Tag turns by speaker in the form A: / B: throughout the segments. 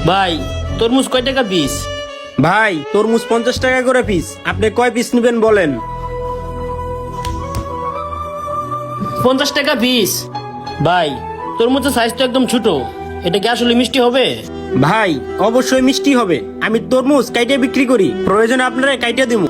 A: ভাই তরমুজ কয় টাকা পিস?
B: ভাই তরমুজ 50 টাকা করে পিস। আপনি কয় পিস নেবেন বলেন?
A: 50 টাকা পিস। ভাই তরমুজের সাইজ তো একদম ছোট, এটা কি আসলে মিষ্টি হবে?
B: ভাই অবশ্যই মিষ্টি হবে। আমি তরমুজ কাইটে বিক্রি করি, প্রয়োজনে আপনারা কাইটে দিব।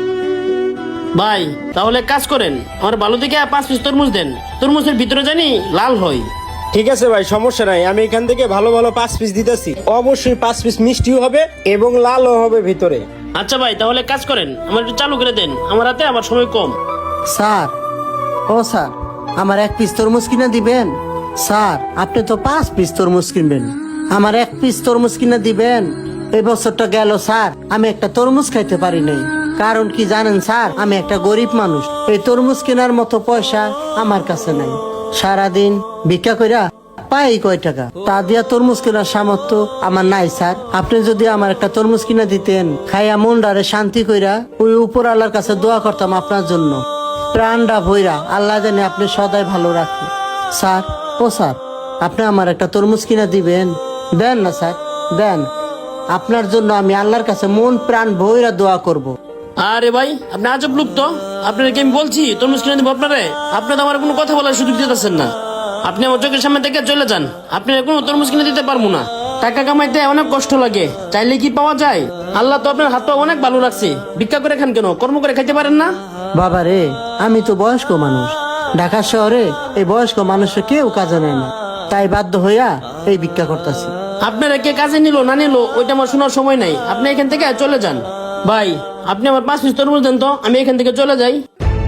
A: ভাই তাহলে কাজ করেন, আমার ভালো থেকে 5 পিস তরমুজ দেন। তরমুজের ভিতরে জানি লাল হয়।
B: ঠিক আছে ভাই, সমস্যা নাই। আমি এখান থেকে ভালো ভালো 5 পিস দিতেছি। অবশ্যই 5 পিস মিষ্টিও হবে এবং লালও হবে ভিতরে।
A: আচ্ছা ভাই তাহলে কাজ করেন, আমার একটু চালু করে দেন, আমার হাতে আবার সময় কম।
C: স্যার, ও স্যার, আমার 1 পিস তরমুজ কিনে দিবেন? স্যার, আপনি তো 5 পিস তরমুজ কিনবেন, আমার 1 পিস তরমুজ কিনে দিবেন? এই বছরটা গেল স্যার, আমি একটা তরমুজ খাইতে পারি নাই। কারণ কি জানেন স্যার, আমি একটা গরিব মানুষ। এই তরমুজ কেনার মতো পয়সা আমার কাছে নাই। সারাদিন ভিক্ষা কইরা পাই কয় টাকা, তা দিয়া তরমুজ কেনার সামর্থ্য আমার নাই স্যার। আপনি যদি আমার একটা তরমুজ কিনে দিতেন, খাইয়া মনটারে শান্তি কইরা ওই উপর আল্লাহর কাছে দোয়া করতাম আপনার জন্য। প্রাণটা ভইরা আল্লাহ জানে আপনি সদাই ভালো রাখেন। স্যার, ও স্যার, আপনি আমার একটা তরমুজ কিনে দিবেন? দেন না স্যার, দেন। আপনার জন্য আমি আল্লাহর কাছে মন প্রাণ ভইরা দোয়া করব।
A: আরে ভাই আপনি আজব লোক তো। আপনার কি আমি বলছি তরমুজ কিনে দেবো আপনারে? আপনি তো আমার কোনো কথা বলার সুযোগ দিতেছেন না। আপনি আমার চোখের সামনে থেকে চলে যান, আপনি কোনো তরমুজ কিনে দিতে পারবো না। টাকা কামাইতে অনেক কষ্ট লাগে, চাইলে কি পাওয়া যায়? আল্লাহ তো আপনার হাত পা অনেক ভালো রাখছে, ভিক্ষা করে খান কেন? কর্ম করে খাইতে পারেন না?
C: বাবা রে, আমি তো বয়স্ক মানুষ। ঢাকা শহরে এই বয়স্ক মানুষের কেউ কাজে নেয় না, তাই বাধ্য হইয়া এই ভিক্ষা করতেছি।
A: আপনারা কে কাজে নিল না নিল ওইটা আমার শোনার সময় নাই, আপনি এখান থেকে চলে যান। ভাই আপনি আমার 5 পিস তরমুজ দেন তো, আমি এখান থেকে চলে যাই।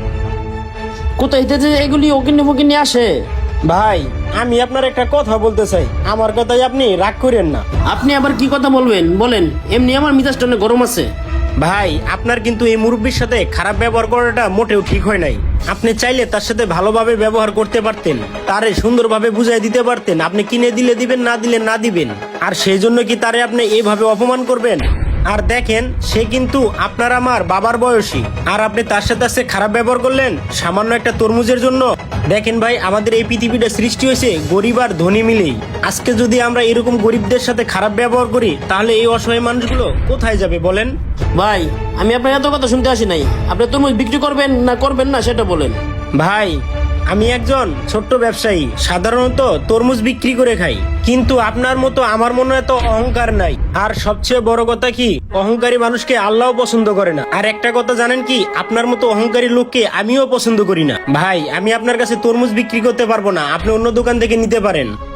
A: কোথায় যে এগুলি ওকিনি ফকিনি আসে?
B: ভাই আমি আপনার একটা কথা বলতে চাই, আমার কথাই আপনি রাগ করেন না।
A: আপনি আবার কি কথা বলবেন বলেন, এমনি আমার মিজাজটা অনেক গরম আছে।
B: ভাই আপনার কিন্তু এই মুরব্বীর সাথে খারাপ ব্যবহার করাটা মোটেও ঠিক হয় নাই। আপনি চাইলে তার সাথে ভালোভাবে ব্যবহার করতে পারতেন, তারে সুন্দরভাবে বুঝাই দিতে পারতেন। আপনি কিনে দিলে দিবেন, না দিলে না দিবেন। আর সেই জন্য কি তারে আপনি এইভাবে অপমান করবেন? আর দেখেন, সে কিন্তু আপনার আমার বাবার বয়সী, আর আপনি তার সাথে আজকে খারাপ ব্যবহার করলেন সামান্য একটা তরমুজের জন্য। দেখেন ভাই, আমাদের এই পৃথিবীটা সৃষ্টি হয়েছে গরিব আর ধনী মিলেই। আজকে যদি আমরা এরকম গরিবদের সাথে খারাপ ব্যবহার করি, তাহলে এই অসহায় মানুষগুলো কোথায় যাবে বলেন?
A: ভাই আমি আপনার এত কথা শুনতে আসি নাই, আপনি তরমুজ বিক্রি করবেন না সেটা বলেন।
B: ভাই আমি একজন ছোট্ট ব্যবসায়ী, সাধারণত তরমুজ বিক্রি করে খাই। কিন্তু আপনার মতো আমার মনে এত অহংকার নাই। আর সবচেয়ে বড় কথা কি, অহংকারী মানুষকে আল্লাহ পছন্দ করে না। আর একটা কথা জানেন কি, আপনার মতো অহংকারী লোককে আমিও পছন্দ করি না। ভাই আমি আপনার কাছে তরমুজ বিক্রি করতে পারবো না, আপনি অন্য দোকান থেকে নিতে পারেন।